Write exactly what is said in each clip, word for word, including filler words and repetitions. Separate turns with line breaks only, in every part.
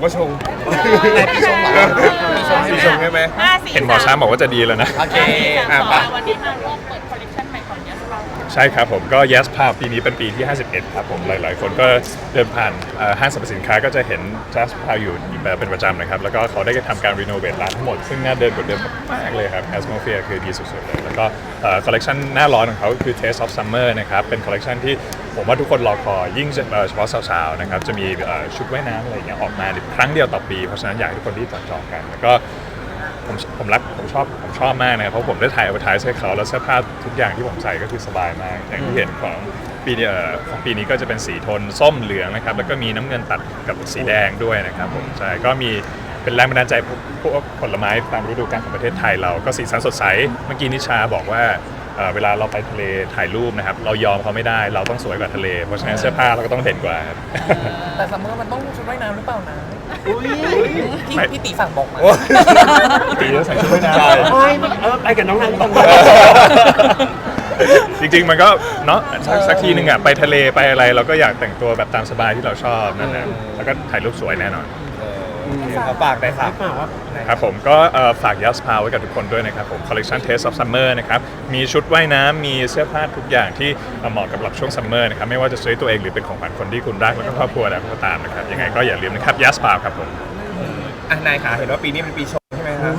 ก็ชง
ปีชงเหรอปีชง
ปีชงใช่ไหม
เห็นหมอช้างบอกว่าจะดีแล้วนะ
โอเค
อ่ะวันนี้มาร่วมเปิดคอลเลคชันใหม่ของ Yes Pal
ใช่ครับผมก็ Yes Pal ปีนี้เป็นปีที่ห้าสิบเอ็ดครับผมหลายๆคนก็เดินผ่านห้างสรรพสินค้าก็จะเห็น Yes Pal อยู่เป็นประจำนะครับแล้วก็เขาได้ทำการรีโนเวทร้านทั้งหมดซึ่งน่าเดินกว่าเดิมมากเลยครับ Atmosphere คือดีสุดๆเลยแล้วก็คอลเลคชันหน้าร้อนของเขาคือ Taste of Summer นะครับเป็นคอลเลคชันที่ผมว่าทุกคนรอคอยยิ่งเฉพาะสาวๆนะครับจะมีชุดว่ายน้ำอะไรอย่างเงี้ยออกมาครั้งเดียวต่อปีเพราะฉะนั้นอยากให้ทุกคนที่จองกันแล้วก็ผมผมรักผมชอบผมชอบมากนะครับเพราะผมได้ถ่ายเอาไปถ่ายให้เขาแล้วเสื้อผ้าทุกอย่างที่ผมใส่ก็คือสบายมากอย่างที่เห็นของปีนี้ของปีนี้ก็จะเป็นสีโทนส้มเหลืองนะครับแล้วก็มีน้ำเงินตัดกับสีแดงด้วยนะครับผมใช่ก็มีเป็นแรงบันดาลใจพวกผลไม้ตามฤดูกาลของประเทศไทยเราก็สีสันสดใสเมื่อกี้นิชาบอกว่าเวลาเราไปทะเลถ่ายรูปนะครับเรายอมเขาไม่ได้เราต้องสวยกว่าทะเลเพราะฉะนั้นเสื้อผ้าเราก็ต้องเด่นกว่าครับ
แต่ซัมเมอร์มันต้องชุดว่ายน้ำหรือเปล่านะพี่พี่ตีสั่งบอกมา
ตีแล้วใส่ชุดว่ายน้ำ
ไม่เออไปกับน้องนางตรง
จริงๆมันก็เนาะสักทีหนึ่งอ่ะไปทะเลไปอะไรเราก็อยากแต่งตัวแบบตามสบายที่เราชอบนั่นแหละแล้วก็ถ่ายรูปสวยแน่นอน
เขาฝากได้ครับ
ครับผมก็ฝาก Yes Pal ไว้กับทุกคนด้วยนะครับผม Collection Taste of Summer นะครับมีชุดว่ายน้ำมีเสื้อผ้าทุกอย่างที่เหมาะกับช่วงซัมเมอร์นะครับไม่ว่าจะซื้อตัวเองหรือเป็นของขวัญคนที่คุณรักแล้วก็ครอบครัวแล้วก็ตามนะครับยังไงก็อย่าลืมนะครับ Yes Pal ครับผม
อ่ะนายขาเห็นว่าปีนี้เป็นปีชงใช่ไหมครับ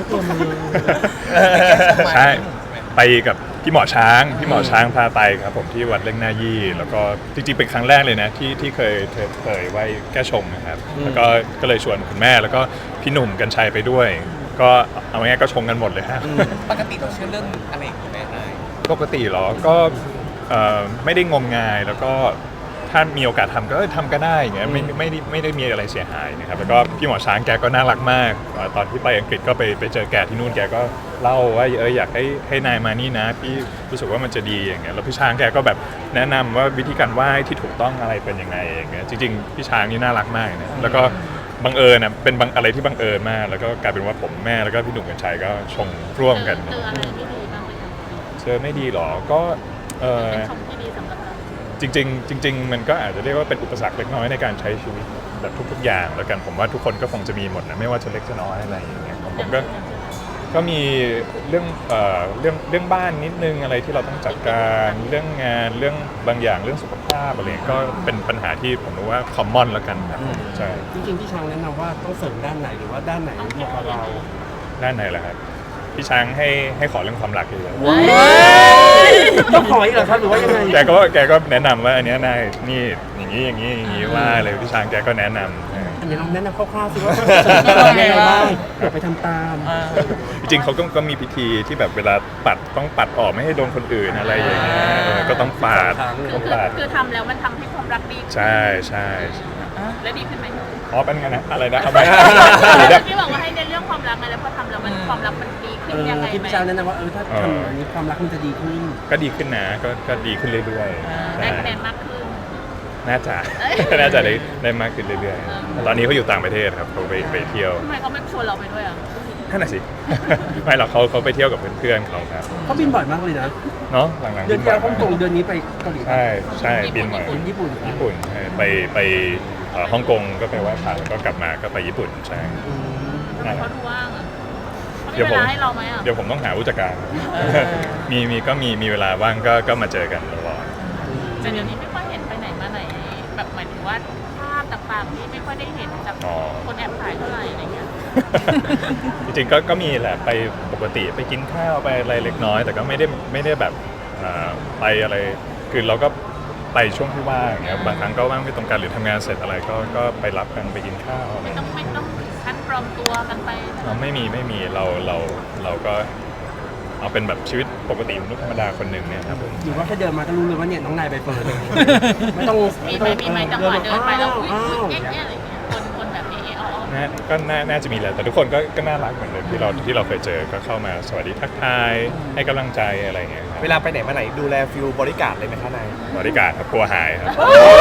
ใช่ไปกับพี่หมอช้างพี่หมอช้างพาไปครับผมที่วัดเล่งหน้ายี่แล้วก็จริงๆเป็นครั้งแรกเลยนะที่ที่เคยเคยไหว้แก้ชงนะครับแล้วก็ก็เลยชวนคุณแม่แล้วก็พี่หนุ่มกัญชัยไปด้วยก็เอาง่ายๆก็ชงกันหมดเลยฮะ
ปกติเราเชื่อเรื่องอะไรอย่างนี้ไหมนาย
ปกติเหรอก็ไม่ได้งมงายแล้วก็ถ้ามีโอกาสทำก็ทำก็ได้อย่างเงี้ยไม่ไม่ได้ไม่ได้มีอะไรเสียหายนะครับแล้วก็พี่หมอช้างแกก็น่ารักมากตอนที่ไปอังกฤษก็ไปไปเจอแกที่นู่นแกก็เล่าว่าเอออยากให้ให้นายมานี่นะพี่รู้สึกว่ามันจะดีอย่างเงี้ยแล้วพี่ช้างแกก็แบบแนะนำว่าวิธีการไหว้ที่ถูกต้องอะไรเป็นยังไงอย่างเงี้ยจริงๆพี่ช้างนี่น่ารักมากนะแล้วก็บังเอิญนะเป็นบังอะไรที่บังเอิญมากแล้วก็กลายเป็นว่าผมแม่แล้วก็พี่หนุ่มกัญชัยก็ชงร่วมกันเจออะไรไม่ดีบ้างไหมเจอไม่ดีหรอก็เออจริงๆจริงๆมันก็อาจจะเรียกว่าเป็นอุปสรรคเล็กน้อยในการใช้ชีวิตแบบทุกๆอย่างแล้วกันผมว่าทุกคนก็คงจะมีหมดนะไม่ว่าจะเล็กจะน้อยอะไรอย่างเงี้ยผมก็ก็มีเรื่องเอ่อเรื่องเรื่องบ้านนิดนึงอะไรที่เราต้องจัดการเรื่องงานเรื่องบางอย่างเรื่องสุขภาพอะไรก็เป็นปัญหาที่ผมรู้ว่าคอมมอนแล้วกันครับใช่
จริงๆพี่ช้างแนะนำว่าต้องเสริมด้านไหนหรือว่าด้านไหนเหมาะกับเรา
ด้านไหนล่ะครับพี่ช้างให้ให้ขอเรื่องความรักเลย
ต้องขออีกเหรอครับหรือว่ายังไง
แกก็แกก็แนะนำว่าอันนี้นายนี่อย่างนี้อย่างนี้อย่างนี้ว่าเลยพี่ช้างแกก็แนะนำ
อันนี้ลองแนะนำคร่าวๆสิว่ายังไงบ้างไปทำตาม
จริงๆเขาก็ก็มีพิธีที่แบบเวลาปัดต้องปัดออกไม่ให้โดนคนอื่นอะไรอย่างเงี้ยก็ต้องปาด
ต้องปาดคือทำแล้วมันทำให้ความรักดี
ใช่ใช่
และดีขึ้นไหม
อ๋อเป็นไงนะอะไรนะเอาไป
ที่บอกว่าให้ในเรื่องความรักไงแล้วพอทำแล้วมันความรักมันดีขึ้นยังไง
ที่พี่ช้างแนะนำว่าเออถ้าทำอันนี้ความรักมันจะดีขึ้น
ก็ดีขึ้นนะก็ก็ดีขึ้นเรื่อย
ๆได้คะแนนมากขึ้น
น่าจะน่าจะได้ได้มากขึ้นเรื่อยๆตอนนี้เขาอยู่ต่างประเทศครับเขาไปไปเที่ยว
ทำไมเขาไม่ชวนเราไปด้วยอ่ะ
นั่นน่ะสิไม่หรอกเขาเขาไปเที่ยวกับเพื่อนๆเขาครับ
เขาบินบ่อยมากเลยนะ
เนาะหลังๆ
เดือนที่แล้วฮ่องกงเดือนนี้ไปเกาหลี
ใช่ใช่บินบ่อย
ญี่ปุ่น
ญี่ปุ่นไปไปฮ่องกงก็ไปไหว้พระแล้วก็กลับมาก็ไปญี่ปุ่นใช่
เขาดูว่างอ่ะ
เดี๋ยวผม
ให้เราไหมอ่ะ
เดี๋ยวผมต้องหาผู้จัดการมีมีก็มีมีเวลาว่างก็ก็มาเจอกันตลอด
แต่เดี๋ยวนี้ไม่ค่อยเห็นไปไหนมาไหนแบบหมายถึงว่าภาพต่างๆที่ไม่ค่อยได้เห็นจากคนแอบถ่ายเท่าไหร่อะไรเงี้ย
จริงๆก็ก็มีแหละไปปกติไปกินข้าวไปอะไรเล็กน้อยแต่ก็ไม่ได้ไม่ได้แบบไปอะไรคือเราก็ไปช่วงที่ว่างอย่างเงี้ยบางครั้งก็ว่างไม่ตรงกันหรือทำงานเสร็จอะไรก็ก็ไปรับกันไปกินข้าว
ไม่ต้องไม่ต้องคัดปลอมตัวกันไป
เราไม่มีไม่มีเราเราเราก็เอาเป็นแบบชีวิตปกติมนุษย์ธรรมดาคนหนึ่งเนี่ยครับผม
หรือว่าแค่เดินมาก็รู้เลยว่าเนี่ยน้องนายไปเปิดไม่ต้อง
มีไหมมีไหมจังหวะเดินไปแล้วอุ้ยแง่ๆอะไรเงี้ยคนคนแบบนี้อ๋อ
ก็น่าจะมีแหละแต่ทุกคนก็ก็น่ารักเหมือนเดิมที่เราที่เราเคยเจอก็เข้ามาสวัสดีทักทายให้กำลังใจอะไรเงี้ย
เวลาไปไหนมาไหนดูแลฟิลบริการเลยไหมคะนาย
บริการครับกลัวหายครับ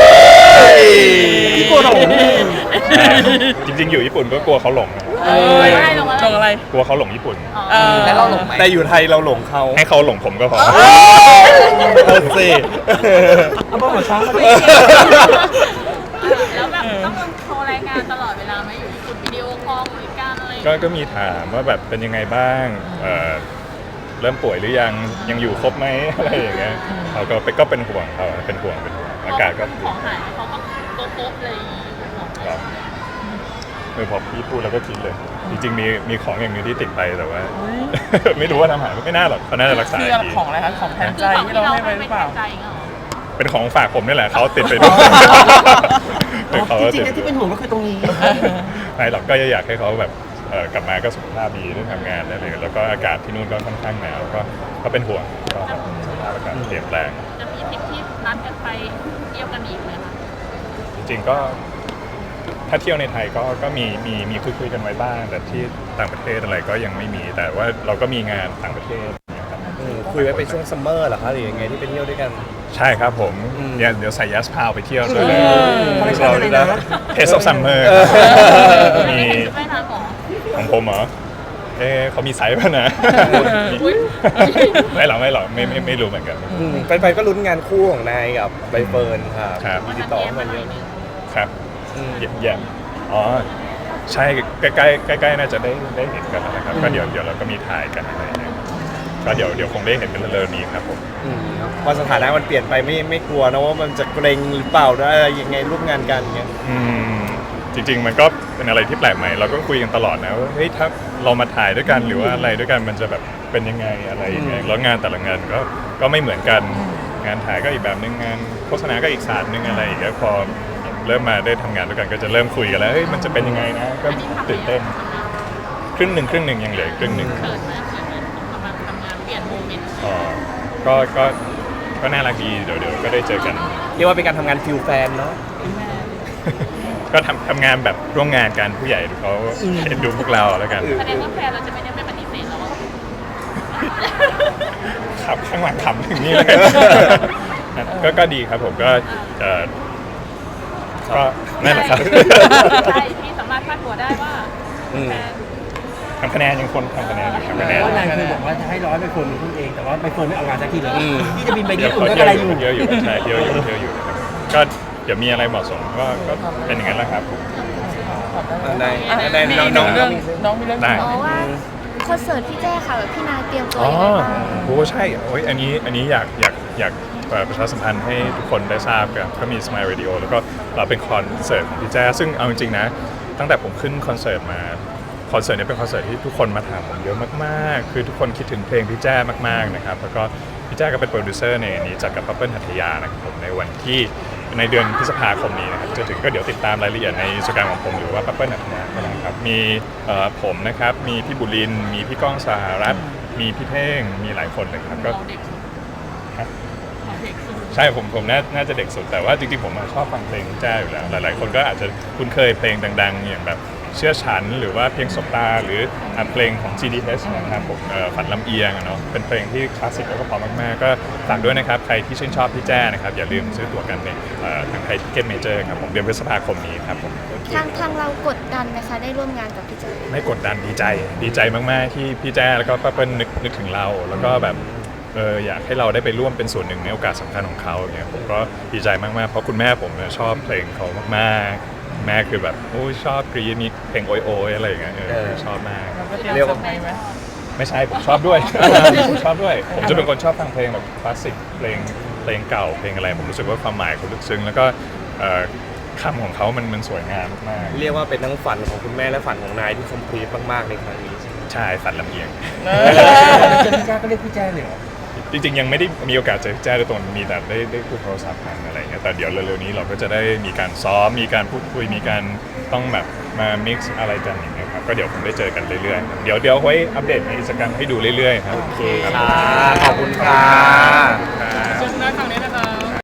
กลัวหลง
จริงๆอยู่ญี่ปุ่นก็กลัวเขาหลง
หลงอะไร
กลัวเขาหลงญี่ปุ่น
แล้วเราหลงไหม
แต่อยู่ไทยเราหลงเขา
ให้เขาหลงผมก็พอ
เอาสิเอาบ้าหัวช้างมาดิ
แล้วแบบต้องโทรรายงานตลอดเวลาไหมอยู่ญี่ปุ่น
ก็ก็มีถามว่าแบบเป็นยังไงบ้างเอ่อเริ่มป่วยหรือยังยังอยู่ครบไหม อะไรอย่างเงี้ยเขาก็ไปก็เป็นห่วงเขาเป็นห่วงเป็นห่วงอากาศก็
ของหายเขาก็โป๊ะๆเลยของ
ครับเออพอพี่พูดแล้วก็คิดเลย จริงๆมีมีของอย่างหนึงที่ติดไปแต่ว่า ไม่รู้ว่าทำหายไม่น่าหรอกเขาน่าจะรักษา
คือ
ดี
ของอะไรคะของแทนใจที่เราให้ไปหรือเปล่า
ใจเหรอ
เป็นของฝากผมนี่แหละเขาติดไปด้วย
อ๋อ
เขา
จริงๆ
ติ
นะ
ด
ที่เป็นห่วงก็คือตรงนี้
ไม่หรอกก็อยากให้เขาแบบเอ่อกลับมาก็สุขภาพดีเรื่องทำงานอะไรเลยแล้วก็อากาศที่นู่นก็ค่อนข้างหนาวก็ก็เป็นห่วงก็แบบสภาพอากาศเปลี่ยนแปลง
จะมีทริปที่นัดกันไปเที่ยวกันอีกไหมคะ
จริงๆก็ถ้าเที่ยวในไทยก็ก็มีมีมีคุยคุยๆกันไว้บ้าง แต่ที่ต่างประเทศอะไรก็ยังไม่มี แต่ว่าเราก็มีงานต่างประเทศนะครับ
คุยไว้เป็นช่วงซัมเมอร์เหรอคะหรือยังไงที่ไปเที่ยวด้วยกัน
ใช่ครับผม
อืม
เดี๋ยวเดี๋ยวใส่ยัสพาวไปเที่ยวด้วย
คอลเลคชันอะไรนะ
เทสออฟซัมเมอร์มี
ไม่ถึงไม่นานหรอ
ของผมเหรอเอ๊ะเขามีไซส์ป่ะนะ
อุ๊ย
ไม่หรอกไม่หรอกไม่ไม่ไม่รู้เหมือนกัน
อืมแฟนๆก็ลุ้นงานคู่ของนายกับใบเฟิร์นค่ะ
ครับ
มีติดต่อเข้ามาเยอะ
ครับ
อืม
เยี่ยมเยี่ยมอ๋อใช่ใกล้ๆใกล้ๆน่าจะได้ได้เห็นกันแล้วนะครับก็เดี๋ยวเดี๋ยวเราก็มีถ่ายกันอะไรอย่างเงี้ยก็เดี๋ยวเดี๋ยวคงได้เห็นกันเร็วๆนี้ครับผม
อืมพอสถานะมันเปลี่ยนไปไม่ไม่กลัวนะว่ามันจะเกรงหรือเปล่าได้อะไรยังไงร่วมงานกันเงี้ย
อืมจริงๆมันก็เป็นอะไรที่แปลกใหม่เราก็คุยกันตลอดนะว่าเฮ้ยถ้าเรามาถ่ายด้วยกันหรือว่าอะไรด้วยกันมันจะแบบเป็นยังไงอะไรยังไง
อืม
แล้วงานแต่ละงานก็ก็ไม่เหมือนกันงานถ่ายก็อีกแบบนึงงานโฆษณาก็อีกศาสตร์นึงอะไรอย่างเงี้ยพอเริ่มมาได้ทำงานด้วยกันก็จะเริ่มคุยกันแล้วเฮ้ยมันจะเป็นยังไงนะก็ตื่นเต้นครึ่งหนึ่งครึ่งหนึ่งยังเหลืออีกครึ่งหนึ่ง
เขินไหมเขินไหมกำลังทำงานเปลี่ยนโมเมนต์
อ๋อก็ก็ก็น่ารักดีเดี๋ยวเดี๋ยวก็ได้เจอกัน
เรียกว่าเป็นการทำงานฟิลแฟนเนาะ
ก็ทำทำงานแบบร่วมงานกันผู้ใหญ่เขาเห็นดูพวกเราแล้วกัน
แสดงว่าแฟนเราจะไม่ได้ไม่ปฏิเสธเราว่า
ขับข้างหลังขำอย่างนี้เลย ก็ก็ดีครับผมก็เอ่อก็นั่นแหละครับ
ใช่พี่สามารถคาดหัวได้ว่า
อืม
แฟน
ทำคะแนนยังคนทำคะแนนอยู่ทำคะแนน
ว่านายเคยบอกว่าจะให้ร้อยไปเฟิร์นเป็นคนเองแต่ว่าไปเฟิร์นไม่ออกงานสักทีเลย
อืม
ที่จะบินไป
เดี๋
ญี่
ยว
ปุ่น
เขา
ก็
เที่
อะ
ยว
ไร
อ
อยู่ ยู่
เที่ยวอยู่ใช่เที่ยวอยู่เที่ยวอยู่นะครับก็เดี๋ยวมีอะไรเหมาะสมก็ก็เป็นอย่างนั้นแหละครับผม
นาย
อ่ะ
นาย
มี
น้อง
น้
น้
อ
อง ง
เรื่องน้องมีเรื่อง
ได้
จะ
อ๋
บ
อ
อก
ว่าคอนเสิร์ตพี่แจ้ค่ะแบบพี่นายเตรียมตัว
อ๋อ
ยังไงบ้าง
โอ้ใช่โอ้ยอันนี้อันนี้อยากอยากอยากเอ่อประชาสัมพันธ์ให้ทุกคนได้ทราบกันก็มี Smile Radio แล้วก็เราเป็นคอนเสิร์ตของพี่แจ้ซึ่งเอาจริงๆนะตั้งแต่ผมขึ้นคอนเสิร์ตมาคอนเสิร์ตนี้เป็นคอนเสิร์ตที่ทุกคนมาถามผมเยอะมากๆ คือทุกคนคิดถึงเพลงพี่แจ้มากๆนะครับแล้วก็พี่แจ้ก็เป็นโปรดิวเซอร์ในนี้จัดกับปั๊บเปิ้ลหัตถยานะครับผมในวันที่ในเดือนพฤษภาคมนี้นะครับจะถึงก็เดี๋ยวติดตามรายละเอียดในอินสตาแกรมของผมหรือว่าปั๊บเปิ้ลหัตถยาก็ได้ครับมีเอ่อผมนะครับมีพี่บุรินทร์มีพี่ก้องสหรัฐมีพี่เท่งมีหลายคนเลยครับก็
เราเด็กสุดเราเด็กสุด
ใช่ผมผมน่าน่าจะเด็กสุดแต่ว่าจริงๆผมอะชอบฟังเพลงพี่แจ้อยู่แล้วหลายๆคนก็อาจจะคุ้นเคยเพลงดังๆ อย่างแบบเชื่อฉันหรือว่าเพลงสบตาหรืออ่ะเพลงของ จี ดี เอช นะครับผมเอ่อฝันลำเอียงอะเนาะเป็นเพลงที่คลาสสิกแล้วก็เพอมากๆก็ฝากด้วยนะครับใครที่ชื่นชอบพี่แจ้นะครับอย่าลืมซื้อตั๋วกันในเอ่อทางไทยทิเก็ตเมเจอร์ครับผมเดือนพฤษภาคมนี้ครับผม
ทางทางเรากดดันนะคะได้ร่วมงานกับพี่แจ้
ไม่กดดันดีใจดีใจมากๆที่พี่แจ้แล้วก็ป้าเปิ้ลนึกนึกถึงเราแล้วก็แบบเอออยากให้เราได้ไปร่วมเป็นส่วนหนึ่งในโอกาสสำคัญของเขาอย่างเงี้ยผมก็ดีใจมากๆเพราะคุณแม่ผมเนี่ยชอบเพลงเขามากๆแม่คือแบบโอ้ยชอบกรีดมีเพลงโอยโอยอะไรอย่างเงี้ยเออ
เออ
ชอบมาก
เราก็เตรียมเซอร์ไพรส์ไหม
ไม่ใช่ผมชอบด้วย ผมชอบด้วย ผมจะเป็นคนชอบฟังเพลงแบบคลาสสิกเพลงเพลงเก่าเพลงอะไรผมรู้สึกว่าความหมายเขาลึกซึ้งแล้วก็เอ่อคำของเขามันมันสวยงามมาก
เรียกว่าเป็นทั้งฝันของคุณแม่และฝันของนายที่คอมพลีทมากๆในครั้งนี้
ๆใช่ฝันลำเอียง
เอ
เจอพี่แจ้ก็เรียกพี่แจ้เลยเหรอ
จริงๆยังไม่ได้มีโอกาสเจอแจ้โดยตรงมีแต่ได้ได้คุยโทรศัพท์กันอะไรเงี้ยแต่เดี๋ยวเร็วๆนี้เราก็จะได้มีการซ้อมมีการพูดคุยมีการต้องแบบมา mix อะไรกันอย่างเงี้ยครับก็เดี๋ยวคงได้เจอกันเรื่อยๆครับเดี๋ยวเดี๋ยวไว้อัปเดตในอินสตาแกรมให้ดูเรื่อยๆครับ
โอเคค่ะขอบคุณค่ะ
ซึ่งหน้าทางนี้นะ